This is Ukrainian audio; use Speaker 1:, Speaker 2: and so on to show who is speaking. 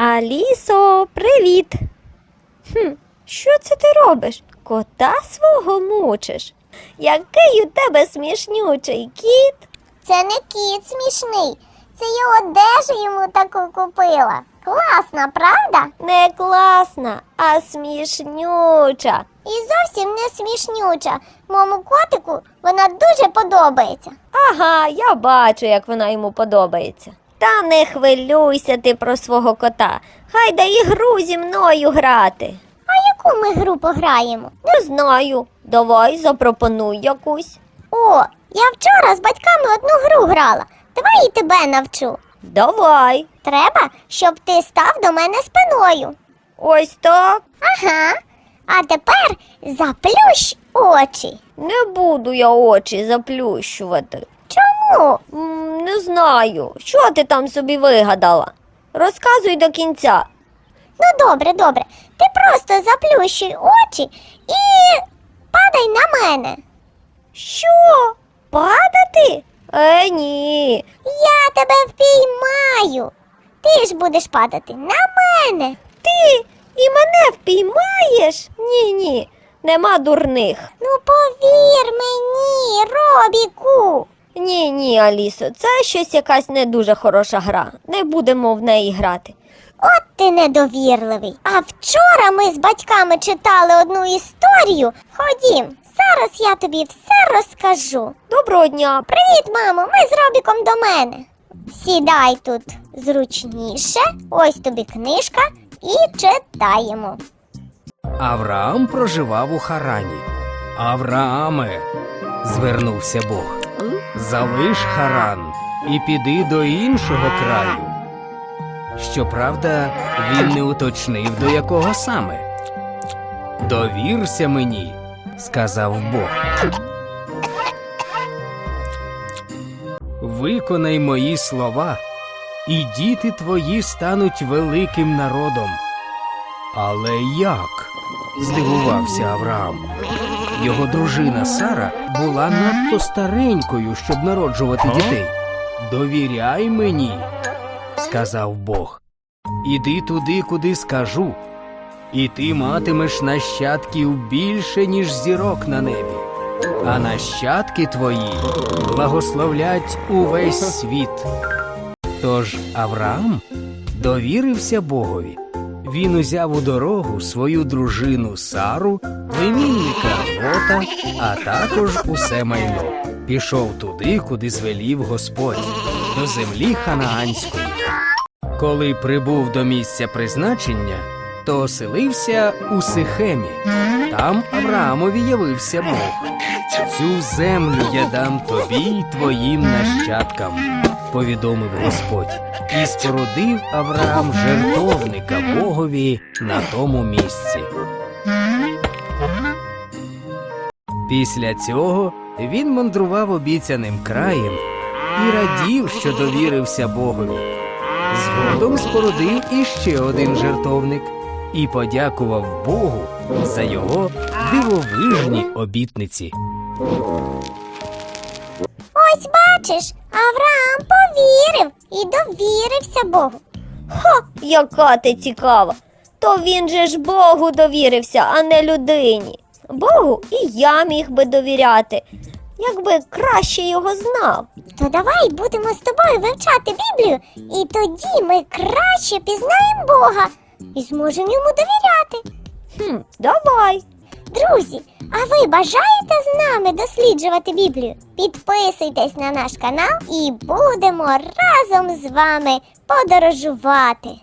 Speaker 1: Алісо, привіт! Що це ти робиш? Кота свого мучиш? Який у тебе смішнючий кіт?
Speaker 2: Це не кіт смішний, це я одежу йому таку купила. Класна, правда?
Speaker 1: Не класна, а смішнюча.
Speaker 2: І зовсім не смішнюча. Моєму котику вона дуже подобається.
Speaker 1: Ага, я бачу, як вона йому подобається. Та не хвилюйся ти про свого кота. Хай дає гру зі мною грати.
Speaker 2: А яку ми гру пограємо?
Speaker 1: Не знаю. Давай запропонуй якусь.
Speaker 2: О, я вчора з батьками одну гру грала. Давай і тебе навчу.
Speaker 1: Давай.
Speaker 2: Треба, щоб ти став до мене спиною.
Speaker 1: Ось так.
Speaker 2: Ага. А тепер заплющ очі.
Speaker 1: Не буду я очі заплющувати.
Speaker 2: Чому?
Speaker 1: Не знаю. Що ти там собі вигадала? Розказуй до кінця.
Speaker 2: Ну добре, добре. Ти просто заплющуй очі і падай на мене.
Speaker 1: Що? Падати? Ні.
Speaker 2: Я тебе впіймаю. Ти ж будеш падати на мене.
Speaker 1: Ти і мене впіймаєш? Ні, нема дурних.
Speaker 2: Ну повір мені, Робіку.
Speaker 1: Ні, Алісо, це щось якась не дуже хороша гра. Не будемо в неї грати.
Speaker 2: От ти недовірливий. А вчора ми з батьками читали одну історію. Ходім, зараз я тобі все розкажу.
Speaker 1: Доброго дня.
Speaker 2: Привіт, мамо, ми з Робіком до мене. Сідай тут зручніше, ось тобі книжка і читаємо.
Speaker 3: Авраам проживав у Харані. Аврааме, звернувся Бог, залиш Харан і піди до іншого краю. Щоправда, він не уточнив, до якого саме. Довірся мені, сказав Бог. Виконай мої слова, і діти твої стануть великим народом. Але як? Здивувався Авраам. Його дружина Сара була надто старенькою, щоб народжувати дітей. Довіряй мені, сказав Бог. Іди туди, куди скажу, і ти матимеш нащадків більше, ніж зірок на небі. А нащадки твої благословлять увесь світ. Тож Авраам довірився Богові. Він узяв у дорогу свою дружину Сару, племінника Лота, а також усе майно. Пішов туди, куди звелів Господь, до землі ханаанської. Коли прибув до місця призначення, то оселився у Сихемі. Там Авраамові явився Бог. «Цю землю я дам тобі й твоїм нащадкам», – повідомив Господь. І спорудив Авраам жертовника Богові на тому місці. Після цього він мандрував обіцяним краєм і радів, що довірився Богові. Згодом спорудив іще один жертовник і подякував Богу за його дивовижні обітниці.
Speaker 2: Ось бачиш, Авраам повірив і довірився Богу.
Speaker 1: Яка ти цікава. То він же ж Богу довірився, а не людині. Богу і я міг би довіряти, якби краще його знав.
Speaker 2: То давай будемо з тобою вивчати Біблію, і тоді ми краще пізнаємо Бога і зможемо йому довіряти.
Speaker 1: Давай.
Speaker 2: Друзі, а ви бажаєте з нами досліджувати Біблію? Підписуйтесь на наш канал і будемо разом з вами подорожувати.